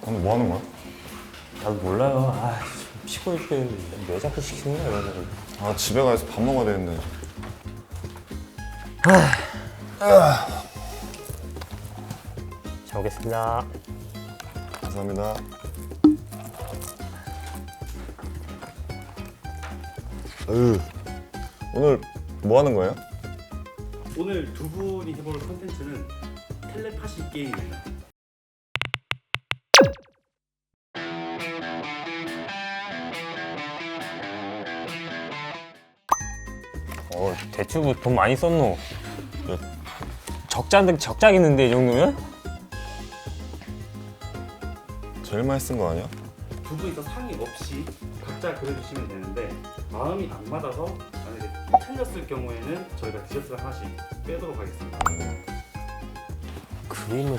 오늘 뭐 하는 거야? 나도 몰라요. 아, 피곤해 죽겠는데 왜 자꾸 시키는 거야 이런 거. 아 집에 가서 밥 먹어야 되는데. 잘 먹겠습니다. 감사합니다. 오늘 뭐 하는 거예요? 오늘 두 분이 해볼 컨텐츠는 텔레파시 게임입니다. 대추부 돈 많이 썼노. 적자겠는데 이 정도면? 제일 많이 쓴 거 아니야? 두 분이서 상의 없이 각자 그려주시면 되는데 마음이 안 맞아서 만약에 틀렸을 경우에는 저희가 디저트를 하나씩 빼도록 하겠습니다. 그림을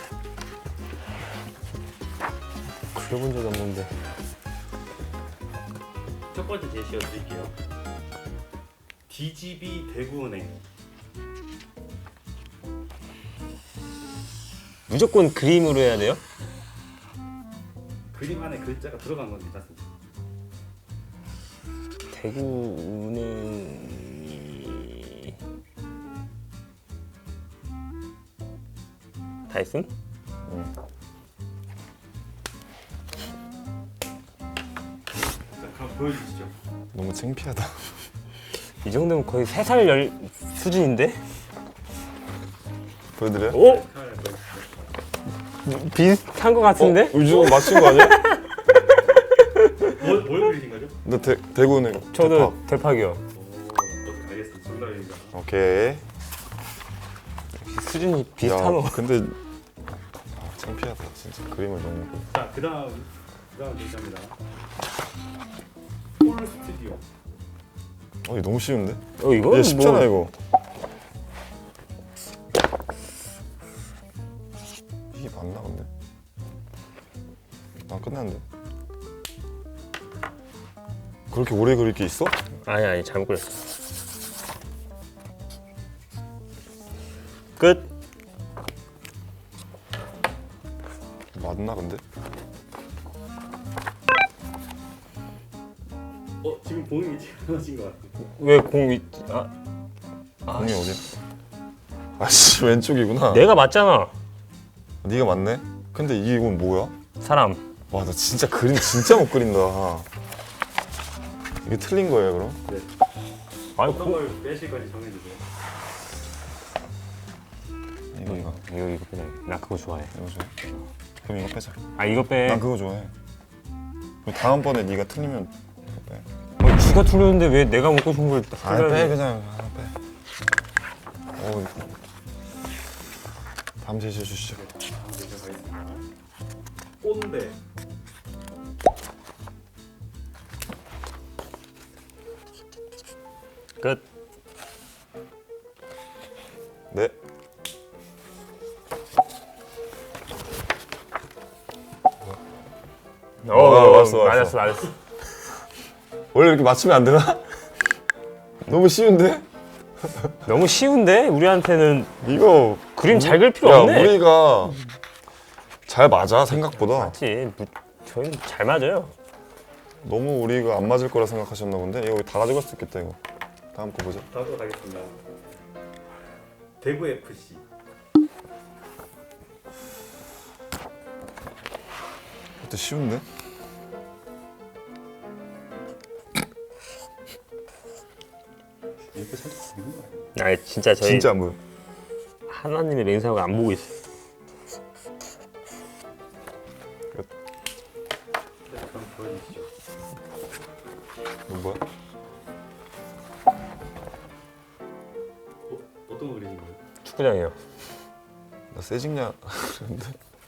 그려본 적이 없는데. 첫 번째 제시어 드릴게요. DGB 대구은행. 무조건 그림으로 해야 돼요? 그림 안에 글자가 들어간 건 괜찮습니다. 대구은행이 다이슨? 자, 그럼 보여주시죠. 너무 창피하다. 이 정도면 거의 3살 열 수준인데? 보여드려요? 오! 카메라 보여주시죠. 비슷한 거 같은데? 유주가 맞춘 거 아니야? 뭘 그리신 거죠? 너 대구은행 저도 대파기요. 오, 알겠습니다. 정답입니다. 대파. 오케이. 수준이 비슷하노. 야, 근데 창피하다 진짜. 그림을 너무. 자, 그다음 제시합니다. 폴 스튜디오. 이거 너무 쉬운데? 이거 얘 쉽잖아 이거. 이게 맞나 근데? 난 끝났는데. 그렇게 오래 그릴 게 있어? 아니 잘못 그렸어. 끝. 맞나 근데? 지금 보는 게 잘하신 것 같아요. 왜 공이 공이 어디? 아씨 왼쪽이구나. 내가 맞잖아. 네가 맞네? 근데 이건 뭐야? 사람. 와 나 진짜 그림 진짜 못 그린다. 이게 틀린 거예요 그럼? 네. 아니 어떤 걸 빼실 건지 정해주세요. 이거 이거 빼자. 나 그거 좋아해. 이거 좋아. 그럼 이거 빼자. 아 이거 빼. 난 그거 좋아해. 그리고 다음번에 네가 틀리면 이거 빼. 쥐가 틀렸는데 왜 내가 먹고 싶은 걸 아 빼 그냥 하나 빼. 다음 제시어 주시죠. 다음 제시어 가겠습니다. 꼰대. 끝. 네. 왔어. 맞았어. 원래 이렇게 맞추면 안 되나? 너무 쉬운데? 너무 쉬운데 우리한테는 이거 그림 잘 그릴 필요 야, 없네. 우리가 잘 맞아 생각보다. 맞지. 저희는 잘 맞아요. 너무 우리가 안 맞을 거라 생각하셨나 본데. 이거 다 가져갈 수 있겠다 이거. 다음 거 보자. 다음 거 가겠습니다. 대구 FC. 이것도 쉬운데? 이렇게 살짝 그리는 거 아니에요? 아 진짜 저희 진짜 안 보여. 하나님의 맹세하고 안 보고 있어. 네, 그럼 보여주시죠. 이거 뭐야? 어떤 거 그리신 거예요? 축구장이요. 나 세징야 그랬는데.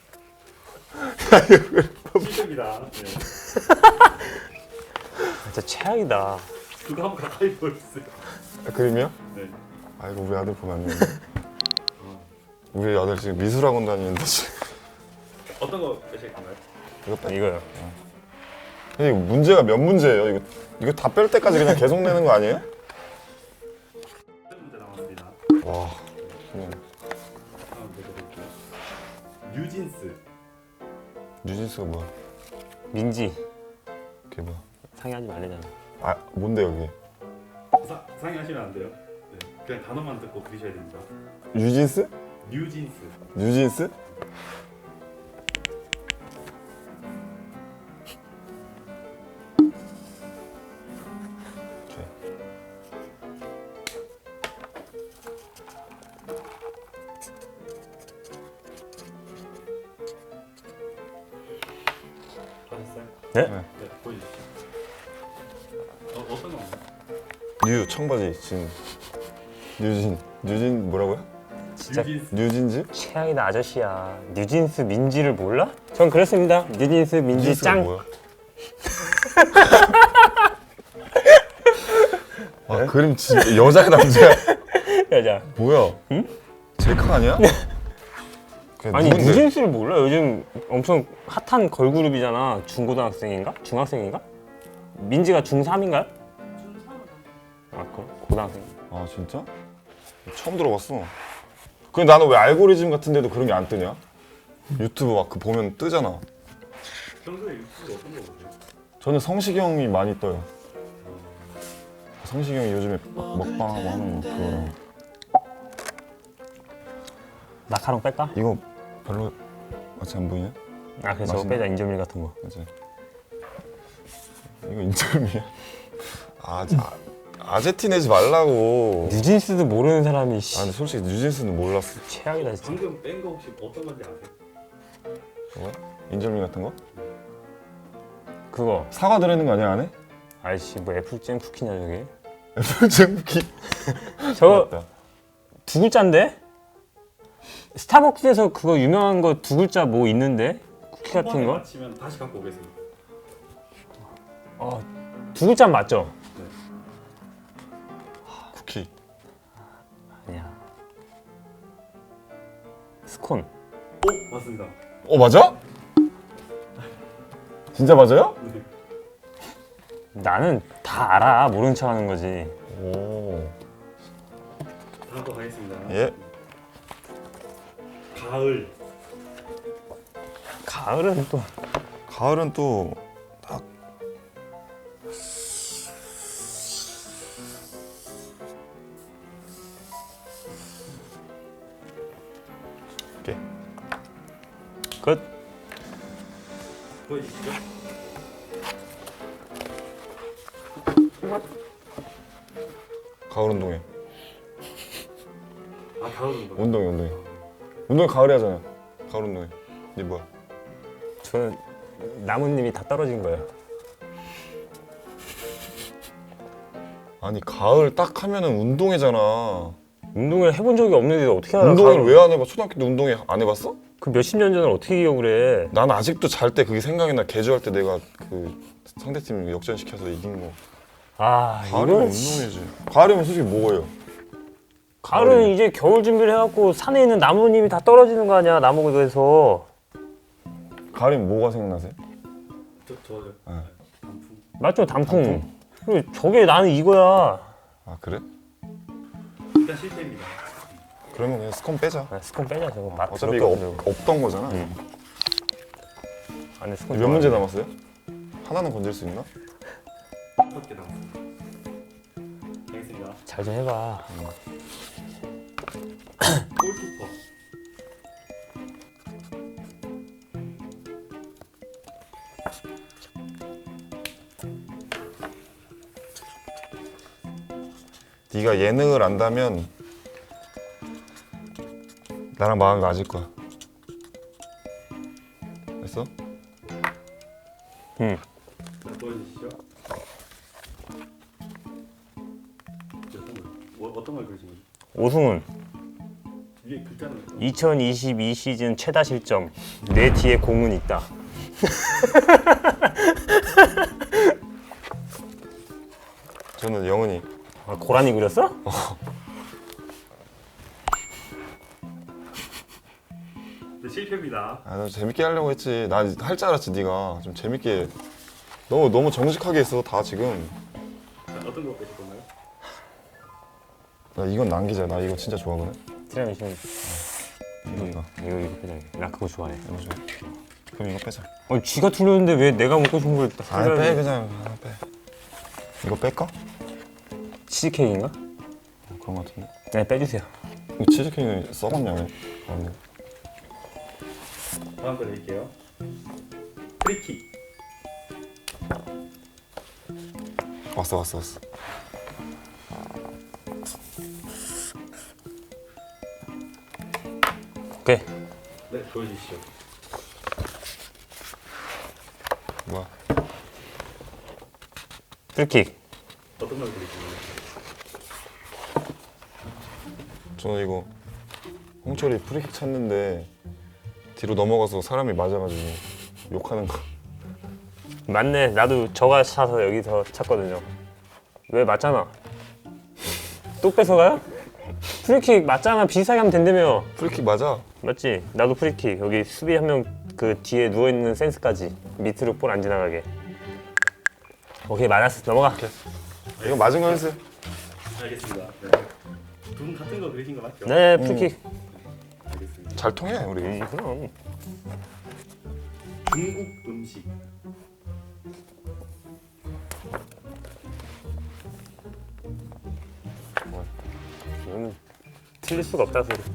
실력이다. 네. 진짜 최악이다. 그거 한번 가까이 보여주세요. 그림이야? 네. 아 이거 우리 아들 보면 안 되는데. 우리 아들 지금 미술학원 다니는데 지금. 어떤 거 빼실 건가요? 이거 빼. 이거요. 근데 이거 문제가 몇 문제예요? 이거 다 뺄 때까지 그냥 계속 내는 거 아니에요? 문제 남았습니다. 와. 그냥 다음 문제 드릴게요. 뉴진스. 뉴진스가 뭐야? 민지 그게 뭐야? 상의하지 말래잖아. 아 뭔데요 그게? 상의하시면 안 돼요. 네. 그냥 단어만 듣고 그리셔야 됩니다. 뉴진스? 뉴진스. 뉴진스? 오케이. 하셨어요? 네? 네, 보여주시죠. 어떤 건가요? 뉴 청바지 진. 뉴진 뭐라고요? 진짜 뉴진스. 뉴진즈? 최악이다 아저씨야. 뉴진스 민지를 몰라? 전 그랬습니다. 뉴진스 민지 뉴진스가 짱. 뭐야? 아 그림 진짜 여자야 남자야? 여자. 뭐야? 응? 젤카 아니야? 그냥 아니 누군데? 뉴진스를 몰라? 요즘 엄청 핫한 걸그룹이잖아. 중고등학생인가? 중학생인가? 민지가 중3인가요? 아 그래? 고등학생. 아 진짜? 처음 들어봤어. 근데 나는 왜 알고리즘 같은데도 그런 게 안 뜨냐? 유튜브 막 그 보면 뜨잖아. 평소에 유튜브 어떤 거 보세요? 저는 성시경이 많이 떠요. 성시경이 요즘에 막 먹방하고 하는 그거랑. 마카롱 뺄까? 이거 별로 마치 안 보이냐? 아 그래 저거 맛있네. 빼자. 인절미 같은 거. 맞지? 이거 인절미야? 아제티 내지 말라고. 뉴진스도 모르는 사람이 씨. 아 근데 솔직히 뉴진스는 몰랐어. 최악이다 진짜. 방금 뺀 거 혹시 어떤 건지 아세요? 저거? 인절미 같은 거? 그거. 사과 들어있는 거 아니야 안에? 아이씨 뭐 애플잼 쿠키냐 저게? 애플잼 쿠키. 저거 맞다. 두 글자인데? 스타벅스에서 그거 유명한 거 두 글자 뭐 있는데? 쿠키 같은 한 번에 거? 맞히면 다시 갖고 오겠습니다. 두 글자 맞죠? 쿠키. 아니야. 스콘. 오, 맞습니다. 맞아? 진짜 맞아요? 네. 나는 다 알아. 모르는 척 하는 거지. 오. 다음 거 가겠습니다. 예. 가을. 가을은 또 가을은 또 딱 오케이. 끝. 보여주시죠. 가을 운동회. 아, 가을 운동. 운동회. 운동회 가을에 하잖아. 가을 운동회. 네 뭐야? 저는 나무님이 다 떨어진 거예요. 아니 가을 딱 하면은 운동회잖아. 운동을 해본 적이 없는데 어떻게 알아? 운동회를 왜 안 해봐? 초등학교 때 운동회 안 해봤어? 그 몇십 년 전을 어떻게 기억을 해? 난 아직도 잘 때 그게 생각이 나. 개주할 때 내가 그 상대팀 역전시켜서 이긴 거. 아 가을이면 이건 운동회지. 가을이면 솔직히 뭐예요? 가을은 이제 겨울 준비를 해갖고 산에 있는 나무님이 다 떨어지는 거 아니야 나무에서. 가을이면 뭐가 생각나세요? 저요. 네. 단풍. 맞죠 단풍. 그리고 저게 나는 이거야. 아 그래? 일단 실패입니다. 그러면 그냥 스콘 빼자. 아, 스콘 빼자 저거 맛 어차피 이거 더럽게 없던 거잖아. 안에 스콘 몇 문제 남았어요? 하나는 건질 수 있나? 5개 남았습니다. 가겠습니다. 잘 좀 해봐. 골키퍼. 네가 예능을 안다면 나랑 마음이 맞을 거야. 됐어? 응. 자, 보여주시죠. 어떤 걸 그리신 거죠? 오승훈 위에 글자는 2022 시즌 최다 실점. 내 뒤에 공은 있다. 저는 영은이. 아, 고라니 그렸어? 네, 실패입니다. 아, 나 재밌게 하려고 했지. 나 할 줄 알았지. 네가 좀 재밌게. 너무 정직하게 했어 다 지금. 자, 어떤 거 빼실 건가요? 나 이건 남기자. 나 이거 진짜 좋아하거든. 티라미슈. 이거. 이거 빼자. 나 그거 좋아해. 이거 좋아. 그럼 이거 빼자. 쥐가 틀렸는데 왜 내가 먹고 싶은 걸 아니 빼 그냥 하나 빼. 이거 뺄까? 치즈케이크인가? 그런 거 같은데. 네, 빼주세요. 이거 치즈케이크는 썩었냐 왜? 다음 거 드릴게요. 프리킥. 왔어. 오케이. 네, 보여주시죠. 뭐야? 프리킥. 어떤 걸 드리시나요? 저는 이거 홍철이 프리킥 찼는데 뒤로 넘어가서 사람이 맞아가지고 욕하는 거. 맞네. 나도 저가 차서 여기서 찼거든요. 왜 맞잖아. 또 뺏어가요? 프리킥 맞잖아. 비슷하게 하면 된다며. 프리킥 맞아. 맞지? 나도 프리킥. 여기 수비 한 명 그 뒤에 누워있는 센스까지 밑으로 볼 안 지나가게. 오케이, 맞았어. 넘어가. 이거 맞은 거 했어요. 알겠습니다. 네. 두 분 같은 거 그리신 거 맞죠? 네, 프리킥. 알겠습니다. 잘 통해 우리. 그럼. 중국 음식. 이거는 틀릴 수가 없다 소리.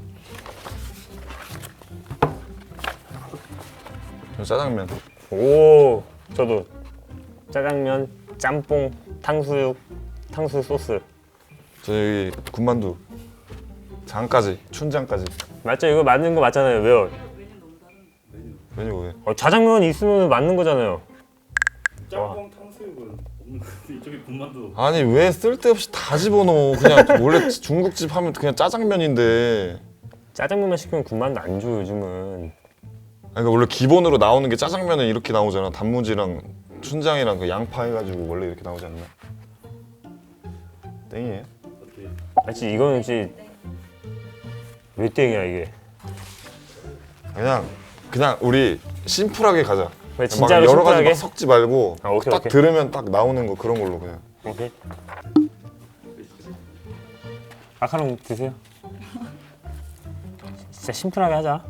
짜장면. 오, 저도 짜장면, 짬뽕, 탕수육 소스. 저 여기 군만두. 장까지 춘장까지. 맞죠? 이거 맞는 거 맞잖아요. 왜요? 메뉴 왜? 자장면 있으면 맞는 거잖아요. 짬뽕 탕수육은 없는 것 같은데 이쪽에 군만두. 아니 왜 쓸데없이 다 집어넣어. 그냥 원래 중국집 하면 그냥 짜장면인데. 짜장면만 시키면 군만두 안 줘요 요즘은. 그러니까 원래 기본으로 나오는 게 짜장면은 이렇게 나오잖아. 단무지랑 춘장이랑 그 양파 해가지고 원래 이렇게 나오지 않나? 땡이에요? 어떻게? 맞지? 이거는 진짜 왜 땡이야 이게? 그냥 우리 심플하게 가자. 왜 진짜로 막 여러 가지 심플하게? 막 섞지 말고 아, 오케이, 딱 오케이. 들으면 딱 나오는 거 그런 걸로 그냥. 오케이. 마카롱 드세요. 진짜 심플하게 하자.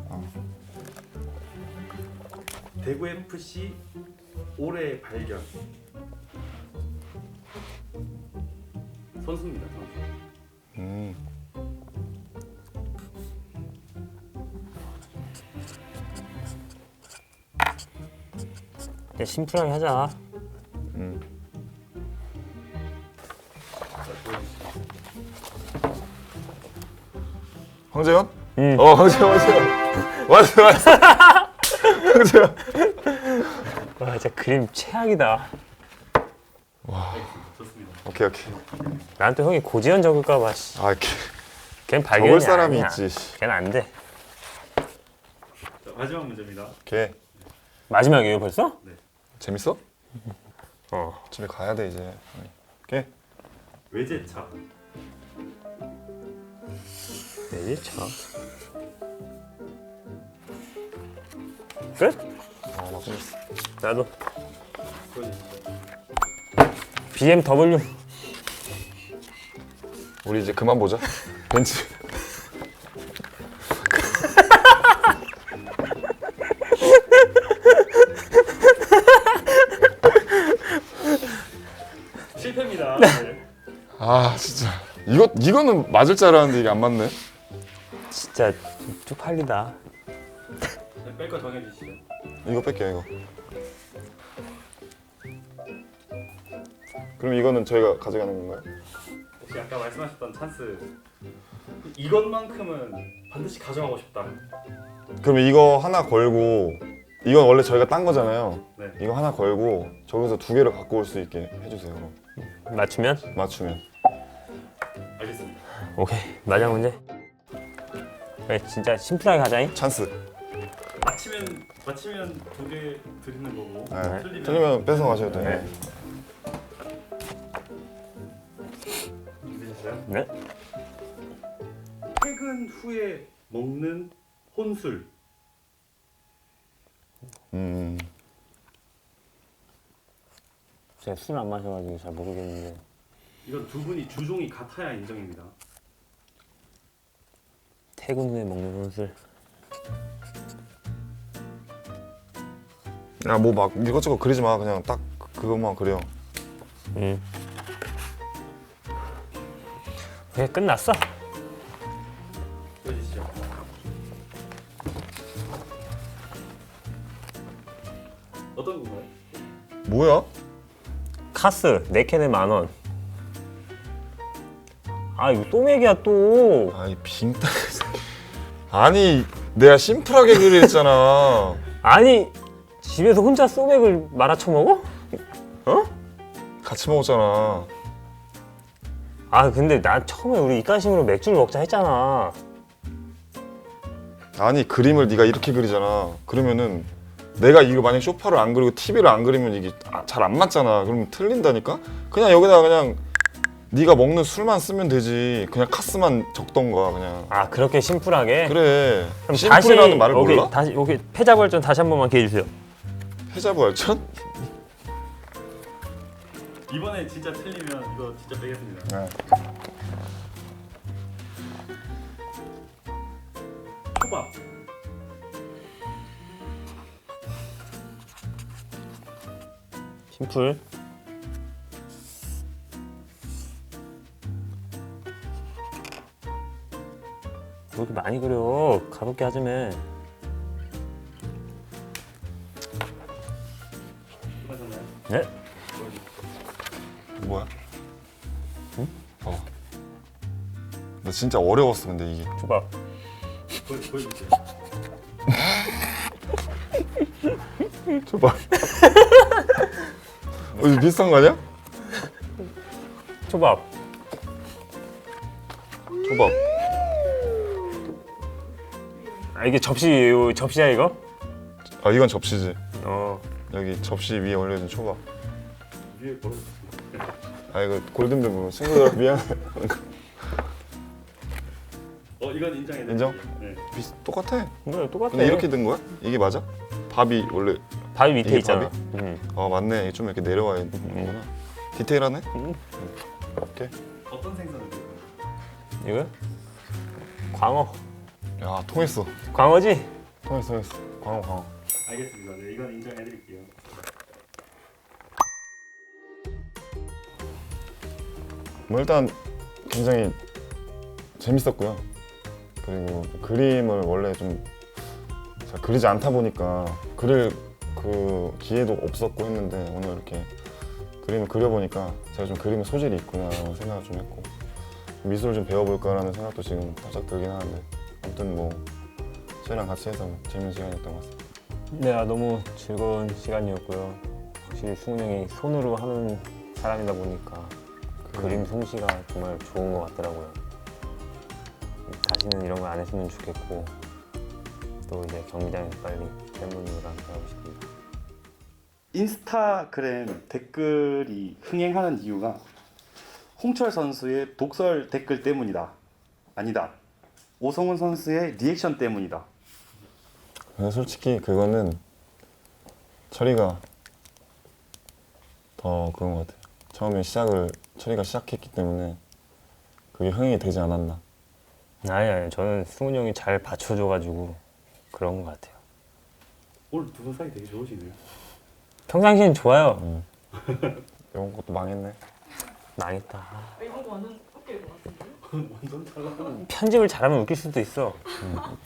대구 FC 올해 발견. 선수입니다. 선수. 그냥 심플하게 하자. 황재현? 응. 황재현. 맞어. 황재현. 와 진짜 그림 최악이다. 좋습니다. 오케이. 난 또 형이 고지현 적을까봐. 아, 걔는 발견이 적을 사람이 아니야. 있지. 걔는 안 돼. 자, 마지막 문제입니다. 걔 마지막이에요 벌써? 재밌어? 어. 집에 가야 돼 이제. 걔 외제차. 네, 차. 끝? 나 끝났어. 나도 보여주시죠. BMW. 우리 이제 그만 보자. 벤츠. 실패입니다. 네. 아 진짜 이거는 맞을 줄 알았는데 이게 안 맞네. 진짜 쪽팔리다. 네, 뺄 거 정해주시죠. 이거 뺄게요 이거. 그럼 이거는 저희가 가져가는 건가요? 혹시 아까 말씀하셨던 찬스 이것만큼은 반드시 가져가고 싶다. 그럼 이거 하나 걸고 이건 원래 저희가 딴 거잖아요. 네. 이거 하나 걸고 저기서 두 개를 갖고 올 수 있게 해주세요. 그럼. 맞추면? 맞추면. 알겠습니다. 오케이. 마지막 문제. 그래, 진짜 심플하게 가자잉. 찬스. 맞히면 두 개 드리는 거고. 네. 틀리면 뺏어 가셔도 돼요. 네. 준비되셨어요? 네? 퇴근 후에 먹는 혼술. 제가 술 안 마셔가지고 잘 모르겠는데. 이건 두 분이 주종이 같아야 인정입니다. 퇴근 후에 먹는 혼술. 야 뭐 막 이것저것 그리지 마. 그냥 딱 그것만 그려. 그게 끝났어. 보여주시죠. 어떤 건가요? 뭐야? 카스 4캔에 10,000원. 아 이거 소맥이야 또. 아이 빙따. 아니 내가 심플하게 그리랬잖아. 아니 집에서 혼자 소맥을 말아 처먹어? 같이 먹었잖아. 아 근데 난 처음에 우리 입가심으로 맥주를 먹자 했잖아. 아니 그림을 네가 이렇게 그리잖아. 그러면은 내가 이거 만약 쇼파를 안 그리고 TV를 안 그리면 이게 잘 안 맞잖아. 그러면 틀린다니까? 그냥 여기다가 그냥 네가 먹는 술만 쓰면 되지. 그냥 카스만 적던가 그냥. 아 그렇게 심플하게? 그래. 그럼 심플이라는 말을 오케이, 몰라? 다시 오케이 패자부활전 다시 한 번만 기회 주세요. 패자부활전? 이번에 진짜 틀리면 이거 진짜 빼겠습니다. 네. 초밥. 심플. 왜 이렇게 많이 그려? 가볍게 하자며. 끝나셨나요? 네? 뭐야? 응? 나 진짜 어려웠어 근데 이게. 줘봐. 보여주세요. 줘봐. 이거 비슷한 거 아니야? 초밥. 초밥. 아 이게 접시야 이거? 아 이건 접시지. 어. 여기 접시 위에 올려진 초밥. 위에 걸어주세요. 아 이거 골든벨 친구들 미안해. 이건 인정해. 인정? 네. 똑같아. 그래 똑같아. 근데 이렇게 된 거야? 이게 맞아? 밥이 원래 바위 밑에 이게 있잖아. 밥이? 맞네. 좀 이렇게 내려와 있는구나. 디테일하네. 오케이. 어떤 생선을 드릴까요? 이거? 광어. 야 통했어. 광어지? 통했어. 광어. 알겠습니다. 네, 이건 인정해드릴게요. 뭐 일단 굉장히 재밌었고요. 그리고 그림을 원래 좀 잘 그리지 않다 보니까 그릴 그 기회도 없었고 했는데 오늘 이렇게 그림을 그려보니까 제가 좀 그림에 소질이 있구나라는 생각을 좀 했고 미술을 좀 배워볼까라는 생각도 지금 살짝 들긴 하는데 아무튼 뭐 쟤랑 같이 해서 재밌는 시간이었던 것 같습니다. 네, 너무 즐거운 시간이었고요. 확실히 승훈 형이 손으로 하는 사람이다 보니까 그림 솜씨가 정말 좋은 것 같더라고요. 다시는 이런 거 안 했으면 좋겠고 또 이제 경기장에서 빨리 팬분들과 함께하고 싶습니다. 인스타그램 댓글이 흥행하는 이유가 홍철 선수의 독설 댓글 때문이다. 아니다. 오성훈 선수의 리액션 때문이다. 근데 솔직히 그거는 철이가 더 그런 것 같아요. 처음에 철이가 시작했기 때문에 그게 흥행이 되지 않았나. 아니 저는 승훈 형이 잘 받쳐줘가지고 그런 것 같아요. 오늘 두 분 사이 되게 좋으시네요. 평상시엔 좋아요. 이런 것도 망했네. 망했다. 이번 거 완전 웃길 것 같은데? 완전 달라. 편집을 잘하면 웃길 수도 있어.